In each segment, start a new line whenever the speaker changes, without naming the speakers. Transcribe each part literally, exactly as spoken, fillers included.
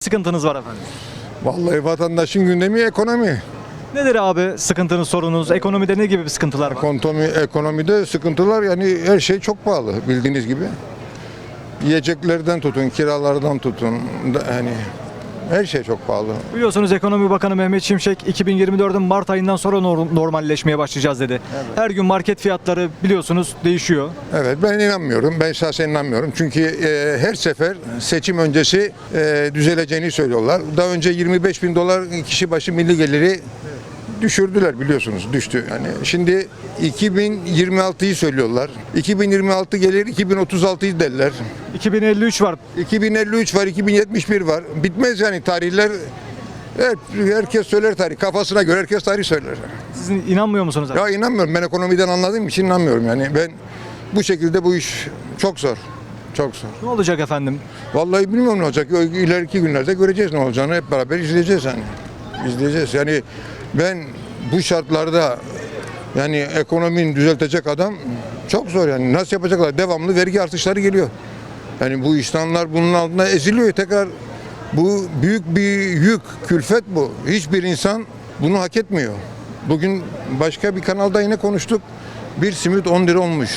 sıkıntınız var efendim?
Vallahi vatandaşın gündemi ekonomi.
Nedir abi sıkıntınız, sorunuz? Ekonomide ne gibi bir sıkıntılar var?
Ekonomi, ekonomide sıkıntılar, yani her şey çok pahalı bildiğiniz gibi. Yiyeceklerden tutun, kiralardan tutun, da- hani her şey çok pahalı.
Biliyorsunuz Ekonomi Bakanı Mehmet Şimşek iki bin yirmi dördün Mart ayından sonra nor- normalleşmeye başlayacağız dedi. Her gün market fiyatları biliyorsunuz değişiyor.
Evet, ben inanmıyorum. Ben şahsen inanmıyorum. Çünkü e, her sefer seçim öncesi e, düzeleceğini söylüyorlar. Daha önce yirmi beş bin dolar kişi başı milli geliri düşürdüler, biliyorsunuz, düştü. Yani şimdi iki bin yirmi altıyı söylüyorlar. iki bin yirmi altı gelir, iki bin otuz altıyı derler.
iki bin elli üç var.
iki bin elli üç var, iki bin yetmiş bir var. Bitmez yani tarihler. Evet, herkes söyler tarih. Kafasına göre herkes tarih söyler.
Siz inanmıyor musunuz abi?
Ya inanmıyorum. Ben ekonomiden anladığım için inanmıyorum yani. Ben bu şekilde bu iş çok zor. Çok zor.
Ne olacak efendim?
Vallahi bilmiyorum ne olacak. İleriki günlerde göreceğiz ne olacağını. Hep beraber izleyeceğiz yani. İzleyeceğiz. Yani ben bu şartlarda yani ekonominin düzeltecek adam çok zor yani. Nasıl yapacaklar? Devamlı vergi artışları geliyor. Yani bu insanlar bunun altında eziliyor. Tekrar bu büyük bir yük, külfet bu. Hiçbir insan bunu hak etmiyor. Bugün başka bir kanalda yine konuştuk. Bir simit on lira olmuş.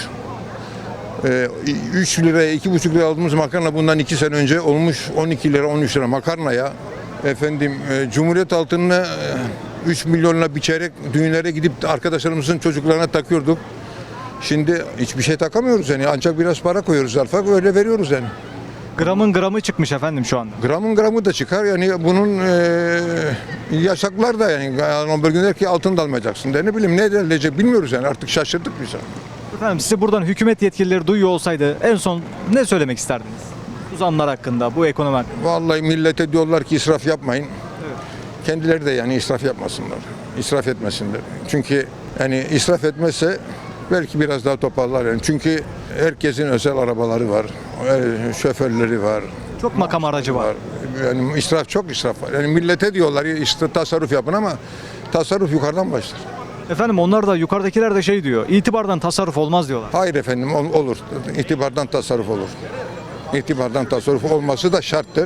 Ee, üç liraya, iki buçuk liraya aldığımız makarna bundan iki sene önce olmuş on iki lira, on üç lira makarnaya. Efendim e, Cumhuriyet altınına e, üç milyonla biçerek düğünlere gidip arkadaşlarımızın çocuklarına takıyorduk. Şimdi hiçbir şey takamıyoruz yani, ancak biraz para koyuyoruz zarfa, öyle veriyoruz yani.
Gramın gramı çıkmış efendim şu anda.
Gramın gramı da çıkar yani, bunun e, yasaklar da yani, yani bir gün der ki altın da almayacaksın der, ne bileyim ne denilecek bilmiyoruz yani, artık şaşırdık biz.
Efendim sizi buradan hükümet yetkilileri duyuyor olsaydı en son ne söylemek isterdiniz? Bu zamlar hakkında, bu ekonomi hakkında.
Vallahi millete diyorlar ki israf yapmayın. Kendileri de yani israf yapmasınlar. İsraf etmesinler. Çünkü yani israf etmezse belki biraz daha toparlar yani. Çünkü herkesin özel arabaları var. e, Şoförleri var.
Çok makam aracı var.
Yani israf, çok israf var. Yani millete diyorlar işte tasarruf yapın, ama tasarruf yukarıdan başlar.
Efendim onlar da yukarıdakiler de şey diyor. İtibardan tasarruf olmaz diyorlar.
Hayır efendim, ol- olur. İtibardan tasarruf olur. İtibardan tasarruf olması da şarttır.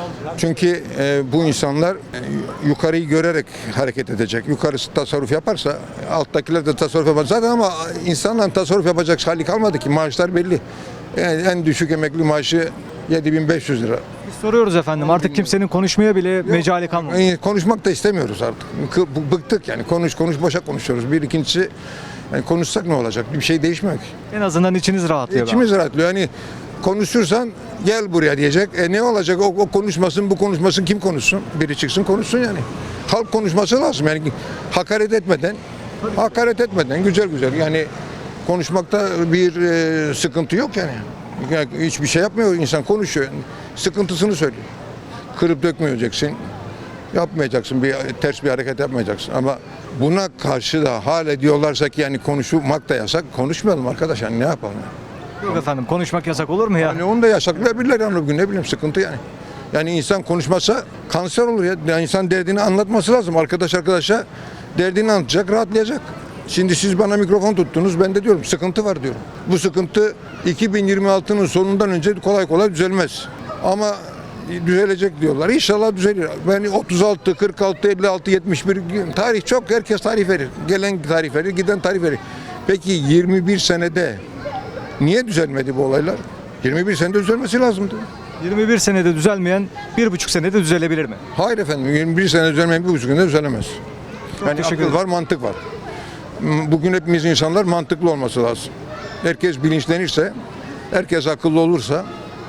Çünkü e, bu insanlar e, yukarıyı görerek hareket edecek. Yukarısı tasarruf yaparsa alttakiler de tasarruf yapar. Zaten ama insanların tasarruf yapacak hali kalmadı ki. Maaşlar belli. Yani en düşük emekli maaşı yedi bin beş yüz lira.
Biz soruyoruz efendim artık kimsenin konuşmaya bile mecali kalmadı.
Yani konuşmak da istemiyoruz artık. Kı- bu- Bıktık yani. Konuş konuş boşa konuşuyoruz. Bir ikincisi, yani konuşsak ne olacak? Bir şey değişmiyor ki.
En azından içiniz rahatlıyor.
İçimiz rahatlıyor. Yani konuşursan gel buraya diyecek. E ne olacak? O, o konuşmasın, bu konuşmasın, kim konuşsun? Biri çıksın konuşsun yani. Halk konuşması lazım. Yani hakaret etmeden, hakaret etmeden güzel güzel. Yani konuşmakta bir e, sıkıntı yok yani. Yani hiçbir şey yapmıyor, insan konuşuyor. Yani sıkıntısını söylüyor. Kırıp dökmeyeceksin. Yapmayacaksın, bir ters bir hareket yapmayacaksın. Ama buna karşı da hala diyorlarsa ki yani konuşmak da yasak. Konuşmayalım arkadaş, yani ne yapalım?
Yok efendim konuşmak yasak olur mu ya?
Yani onu da yasaklayabilirler yani bugün, ne bileyim, sıkıntı yani. Yani insan konuşmasa kanser olur ya. Yani insan derdini anlatması lazım. Arkadaş arkadaşa derdini anlatacak, rahatlayacak. Şimdi siz bana mikrofon tuttunuz, ben de diyorum sıkıntı var diyorum. Bu sıkıntı iki bin yirmi altının sonundan önce kolay kolay düzelmez. Ama düzelecek diyorlar. İnşallah düzelir. Ben otuz altı, kırk altı, elli altı, yetmiş bir tarih çok, herkes tarih verir. Gelen tarih verir, giden tarih verir. Peki yirmi bir senede niye düzelmedi bu olaylar? yirmi bir senede düzelmesi lazımdı.
yirmi bir senede düzelmeyen bir buçuk senede düzelebilir mi?
Hayır efendim, yirmi bir sene düzelmeyen bir buçuk günde düzelemez. Yani
teşekkür
akıl
ederim.
var, mantık var. Bugün hepimiz insanlar mantıklı olması lazım. Herkes bilinçlenirse, herkes akıllı olursa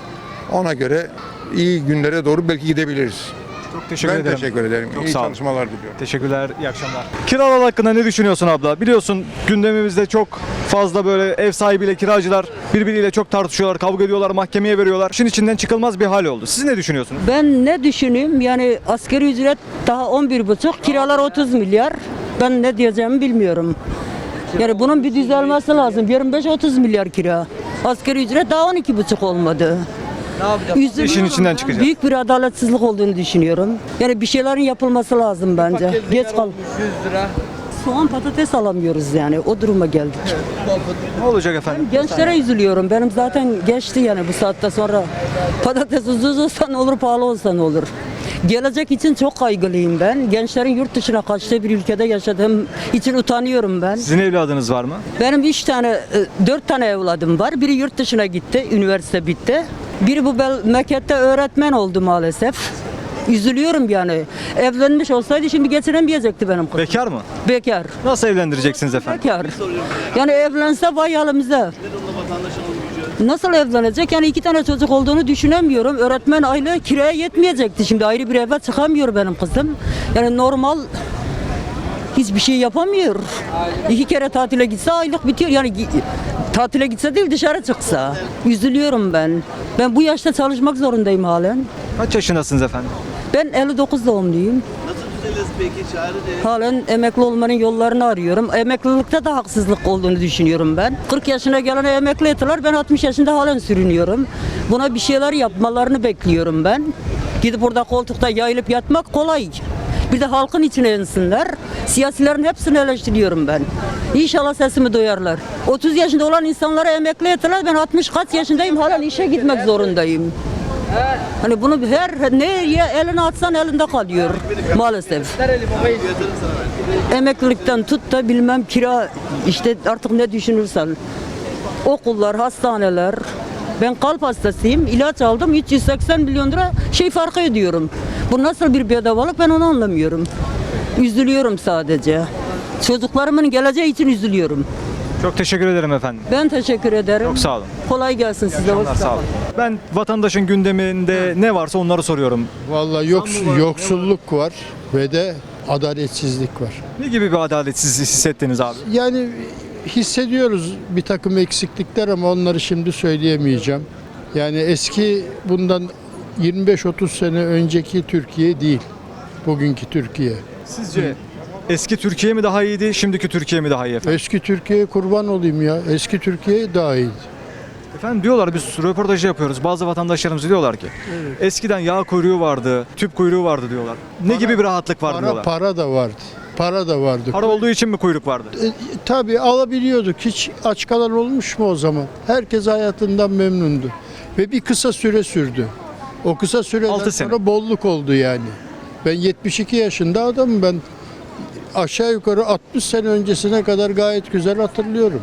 ona göre iyi günlere doğru belki gidebiliriz.
Çok teşekkür
Ben
ederim.
teşekkür ederim.
Çok
iyi
sağ olun.
çalışmalar diliyorum.
Teşekkürler, iyi akşamlar. Kiralar hakkında ne düşünüyorsun abla? Biliyorsun gündemimizde çok fazla böyle ev sahibiyle kiracılar birbiriyle çok tartışıyorlar, kavga ediyorlar, mahkemeye veriyorlar. İşin içinden çıkılmaz bir hal oldu. Siz ne düşünüyorsunuz?
Ben ne düşüneyim? Yani asgari ücret daha on bir buçuk, kiralar otuz milyar. Ben ne diyeceğimi bilmiyorum. Yani bunun bir düzelmesi lazım. yirmi beş otuz milyar kira. Asgari ücret daha on iki buçuk olmadı. Üzülüyorum.
İşin içinden çıkacağız.
Büyük bir adaletsizlik olduğunu düşünüyorum. Yani bir şeylerin yapılması lazım bence. Geç kal. Soğan patates alamıyoruz yani. O duruma geldik.
Ne olacak efendim?
Gençlere üzülüyorum. Benim zaten geçti yani bu saatte sonra. Patates ucuz olsa ne olur, pahalı olsa ne olur. Gelecek için çok kaygılıyım ben. Gençlerin yurt dışına kaçtığı bir ülkede yaşadığım için utanıyorum ben.
Sizin evladınız var mı?
Benim üç tane, e, dört tane evladım var. Biri yurt dışına gitti, üniversite bitti. Biri bu bel- memlekette öğretmen oldu maalesef. Üzülüyorum yani. Evlenmiş olsaydı şimdi getiremeyecekti benim kızım.
Bekar mı?
Bekar.
Nasıl evlendireceksiniz efendim?
Bekar. Yani evlense vay halimize. Nasıl evlenecek? Yani iki tane çocuk olduğunu düşünemiyorum. Öğretmen aylığı kiraya yetmeyecekti. Şimdi ayrı bir eve çıkamıyor benim kızım. Yani normal hiçbir şey yapamıyor. İki kere tatile gitse aylık bitiyor. Yani gi- tatile gitse değil dışarı çıksa. Üzülüyorum ben. Ben bu yaşta çalışmak zorundayım halen.
Kaç yaşındasınız efendim?
Ben elli dokuz doğumluyum. Halen emekli olmanın yollarını arıyorum. Emeklilikte de haksızlık olduğunu düşünüyorum ben. kırk yaşına gelene emekli ettiler. Ben altmış yaşında halen sürünüyorum. Buna bir şeyler yapmalarını bekliyorum ben. Gidip orada koltukta yayılıp yatmak kolay. Bir de halkın içine insinler. Siyasilerin hepsini eleştiriyorum ben. İnşallah sesimi duyarlar. otuz yaşında olan insanlara emekli ettiler. Ben altmış kaç yaşındayım. Halen işe gitmek zorundayım. Hani bunu her nereye eline atsan elinde kalıyor maalesef. Emeklilikten tut da bilmem kira işte artık ne düşünürsen. Okullar, hastaneler. Ben kalp hastasıyım. İlaç aldım. üç yüz seksen milyon lira şey farkı ödüyorum. Bu nasıl bir bedavalık ben onu anlamıyorum. Üzülüyorum sadece. Çocuklarımın geleceği için üzülüyorum.
Çok teşekkür ederim efendim.
Ben teşekkür ederim.
Çok sağ olun.
Kolay gelsin size. Hoşça
Sağ olun.
kalın.
Ben vatandaşın gündeminde ne varsa onları soruyorum.
Vallahi yoks- yoksulluk var ve de adaletsizlik var.
Ne gibi bir adaletsizlik hissettiniz abi?
Yani hissediyoruz bir takım eksiklikler ama onları şimdi söyleyemeyeceğim. Yani eski bundan yirmi beş otuz sene önceki Türkiye değil. Bugünkü Türkiye.
Sizce eski Türkiye mi daha iyiydi, şimdiki Türkiye mi daha iyi efendim?
Eski Türkiye'ye kurban olayım ya. Eski Türkiye daha iyiydi.
Efendim diyorlar biz röportaj yapıyoruz. Bazı vatandaşlarımız diyorlar ki eskiden yağ kuyruğu vardı, tüp kuyruğu vardı diyorlar. Ne gibi bir rahatlık vardı
Para,
diyorlar.
para da vardı. Para da vardı.
Para olduğu için mi kuyruk vardı?
E, tabii alabiliyorduk. Hiç aç kalan olmuş mu o zaman? Herkes hayatından memnundu. Ve bir kısa süre sürdü. O kısa süreden
Altı sene.
sonra bolluk oldu yani. Ben yetmiş iki yaşında adamım. Ben aşağı yukarı altmış sene öncesine kadar gayet güzel hatırlıyorum.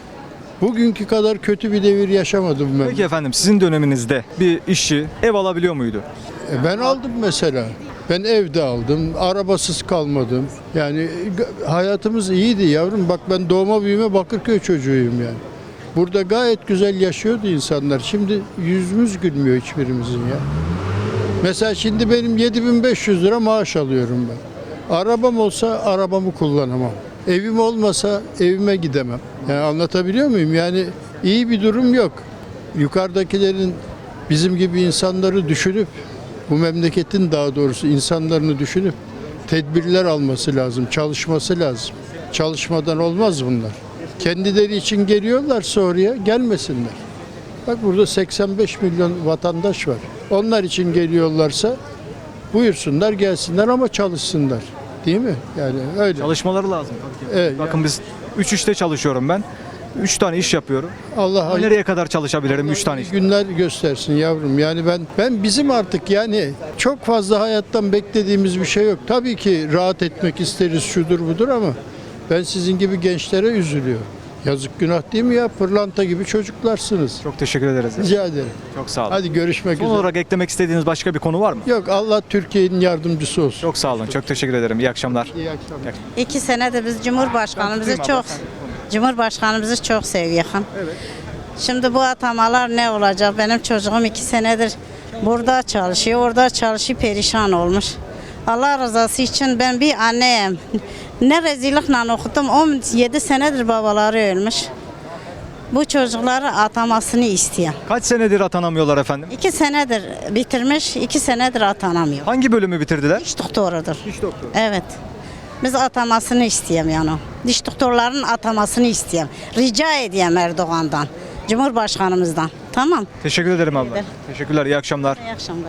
Bugünkü kadar kötü bir devir yaşamadım ben.
Peki efendim sizin döneminizde bir işçi ev alabiliyor muydu?
E, ben aldım mesela. Ben evde aldım, arabasız kalmadım. Yani g- hayatımız iyiydi yavrum. Bak ben doğma büyüme Bakırköy çocuğuyum yani. Burada gayet güzel yaşıyordu insanlar. Şimdi yüzümüz gülmüyor hiçbirimizin ya. Mesela şimdi benim yedi bin beş yüz lira maaş alıyorum ben. Arabam olsa arabamı kullanamam. Evim olmasa evime gidemem. Yani anlatabiliyor muyum? Yani iyi bir durum yok. Yukarıdakilerin bizim gibi insanları düşünüp, bu memleketin daha doğrusu insanlarını düşünüp tedbirler alması lazım, çalışması lazım. Çalışmadan olmaz bunlar. Kendileri için geliyorlarsa oraya gelmesinler. Bak burada seksen beş milyon vatandaş var. Onlar için geliyorlarsa buyursunlar gelsinler ama çalışsınlar. Değil mi? Yani öyle.
Çalışmaları lazım.
Evet,
Bakın biz üç işte çalışıyorum ben. üç tane iş yapıyorum.
Allah
Ama
hayır-
nereye kadar çalışabilirim üç tane iş?
günler göstersin yavrum. Yani ben ben bizim artık yani çok fazla hayattan beklediğimiz bir şey yok. Tabii ki rahat etmek isteriz şudur budur ama ben sizin gibi gençlere üzülüyorum. Yazık günah değil mi ya? Pırlanta gibi çocuklarsınız.
Çok teşekkür ederiz.
Rica ederim.
Çok sağ olun.
Hadi görüşmek
Son
üzere.
olarak eklemek istediğiniz başka bir konu var mı?
Yok Allah Türkiye'nin yardımcısı olsun.
Çok sağ olun. Çok teşekkür ederim. İyi akşamlar.
İyi akşamlar.
İki senedir biz Cumhurbaşkanımızı
Ben tutayım
çok
abla,
Cumhurbaşkanımızı çok seviyoruz. Şimdi bu atamalar ne olacak? Benim çocuğum iki senedir burada çalışıyor, orada çalışıyor, perişan olmuş. Allah rızası için ben bir anneyim. Ne rezillikle okudum. on yedi senedir babaları ölmüş. Bu çocukları atamasını isteyen.
Kaç senedir atanamıyorlar efendim?
İki senedir bitirmiş, iki senedir atanamıyor.
Hangi bölümü bitirdiler?
Diş doktorudur.
Diş doktoru.
Evet. Biz atamasını isteyeyim yani. Diş doktorlarının atamasını isteyeyim. Rica edeyim Erdoğan'dan, Cumhurbaşkanımızdan. Tamam.
Teşekkür ederim abla.
ederim.
Teşekkürler. İyi akşamlar.
İyi akşamlar.